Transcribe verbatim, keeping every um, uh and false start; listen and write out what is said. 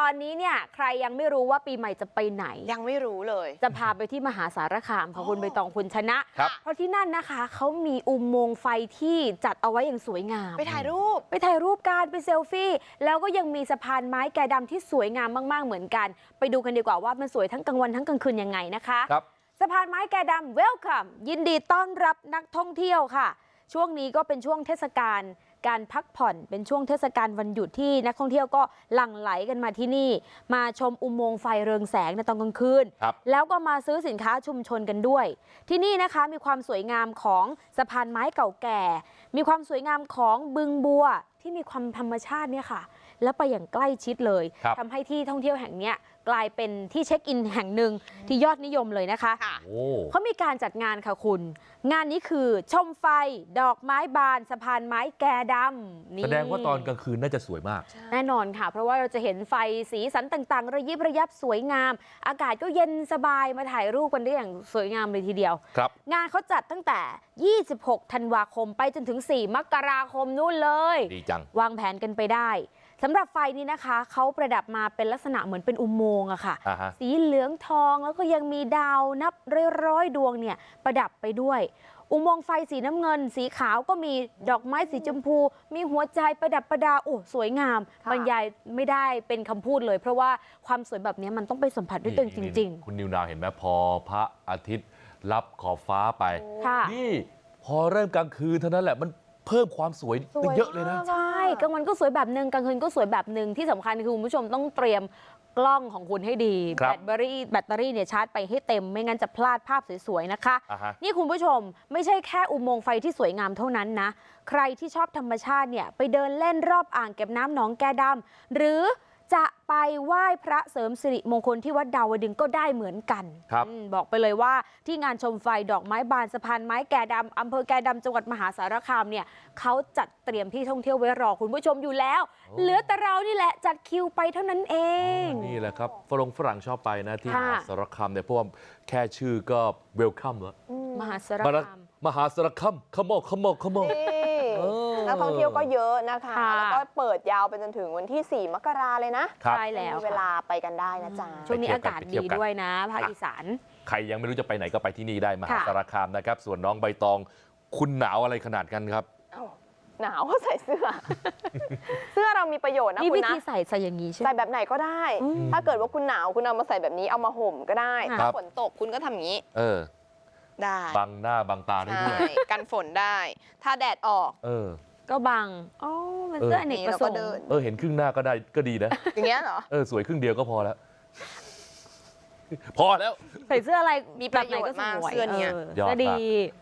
อนนี้เนี่ยใครยังไม่รู้ว่าปีใหม่จะไปไหนยังไม่รู้เลยจะพาไปที่มหาสารคามค่ะคุณใบตองคุณชนะเพราะที่นั่นนะคะเขามีอุโมงค์ไฟที่จัดเอาไว้อย่างสวยงามไปถ่ายรูปไปถ่ายรูปกันไปเซลฟี่แล้วก็ยังมีสะพานไม้แกะดำที่สวยงามมากๆเหมือนกันไปดูกันดีกว่าว่ามันสวยทั้งกลางวันทั้งกลางคืนยังไงนะคะสะพานไม้แกะดำเวลคัมยินดีต้อนรับนักท่องเที่ยวค่ะช่วงนี้ก็เป็นช่วงเทศกาลการพักผ่อนเป็นช่วงเทศกาลวันหยุดที่นักท่องเที่ยวก็หลั่งไหลกันมาที่นี่มาชมอุโมงค์ไฟเรืองแสงในตอนกลางคืนแล้วก็มาซื้อสินค้าชุมชนกันด้วยที่นี่นะคะมีความสวยงามของสะพานไม้เก่าแก่มีความสวยงามของบึงบัวที่มีความธรรมชาติเนี่ยค่ะแล้วไปอย่างใกล้ชิดเลยทำให้ที่ท่องเที่ยวแห่งนี้กลายเป็นที่เช็คอินแห่งหนึ่งที่ยอดนิยมเลยนะคะเขามีการจัดงานค่ะคุณงานนี้คือชมไฟดอกไม้บานสะพานไม้แกะดำแสดงว่าตอนกลางคืนน่าจะสวยมากแน่นอนค่ะเพราะว่าเราจะเห็นไฟสีสันต่างๆระยิบระยับสวยงามอากาศก็เย็นสบายมาถ่ายรูปกันได้อย่างสวยงามเลยทีเดียวงานเขาจัดตั้งแต่ยี่สิบหกธันวาคมไปจนถึงสี่มกราคมนู่นเลยดีจังวางแผนกันไปได้สำหรับไฟนี้นะคะเขาประดับมาเป็นลักษณะเหมือนเป็นอุโมงค์อะค่ะสีเหลืองทองแล้วก็ยังมีดาวนับร้อยๆดวงเนี่ยประดับไปด้วยอุโมงค์ไฟสีน้ำเงินสีขาวก็มีดอกไม้สีชมพูมีหัวใจประดับประดาโอ้สวยงามบรรยายไม่ได้เป็นคำพูดเลยเพราะว่าความสวยแบบนี้มันต้องไปสัมผัสด้วยตัวเองจริงๆคุณนิวนาวเห็นไหมพอพระอาทิตย์รับขอบฟ้าไปนี่พอเริ่มกลางคืนเท่านั้นแหละมันเพิ่มความสวยได้เยอะเลยนะใช่กลางวันก็สวยแบบนึงกลางคืนก็สวยแบบนึงที่สำคัญคือคุณผู้ชมต้องเตรียมกล้องของคุณให้ดีแบตเตอรี่แบตเตอรี่เนี่ยชาร์จไปให้เต็มไม่งั้นจะพลาดภาพสวยๆนะคะนี่คุณผู้ชมไม่ใช่แค่อุโมงค์ไฟที่สวยงามเท่านั้นนะใครที่ชอบธรรมชาติเนี่ยไปเดินเล่นรอบอ่างเก็บน้ำหนองแกดำหรือจะไปไหว้พระเสริมสิริมงคลที่วัดดาวดึงก็ได้เหมือนกันบอกไปเลยว่าที่งานชมไฟดอกไม้บานสะพานไม้แกะดำอำเภอแกะดำจังหวัดมหาสารคามเนี่ยเขาจัดเตรียมที่ท่องเที่ยวไว้รอคุณผู้ชมอยู่แล้วเหลือแต่เรานี่แหละจัดคิวไปเท่านั้นเองนี่แหละครับฝรั่งฝรั่งชอบไปนะที่มหาสารคามเนี่ยเพราะว่าแค่ชื่อก็เวลคัมแล้วมหาสารคามมหาสารคามขมอขมอขมอนักท่องเที่ยวก็เยอะนะคะแล้วก็เปิดยาวไปจนถึงวันที่สี่มกราเลยนะใช่แล้วเวลาไปกันได้นะจ๊ะช่วงนี้อากาศดีด้วยนะภาคอีสานใครยังไม่รู้จะไปไหนก็ไปที่นี่ได้มหาสารคามนะครับส่วนน้องใบตองคุณหนาวอะไรขนาดกันครับหนาวก็ใส่เสื้อเสื้อเรามีประโยชน์นะคุณนะวิธีใส่ใส่อย่างนี้ใช่ใส่แบบไหนก็ได้ถ้าเกิดว่าคุณหนาวคุณเอามาใส่แบบนี้เอามาห่มก็ได้ถ้าฝนตกคุณก็ทำอย่างนี้เออได้บังหน้าบังตาได้ด้วยกันฝนได้ถ้าแดดออกเออก็บังอ๋อมันเสื้ออเนกประสงค์เออเห็นครึ่งหน้าก็ได้ก็ดีนะอย่างเงี้ยเหรอเออสวยครึ่งเดียวก็พอแล้วพอแล้วใส่เสื้ออะไรมีประโยชน์มากเสื้อเนี้ยก็ดี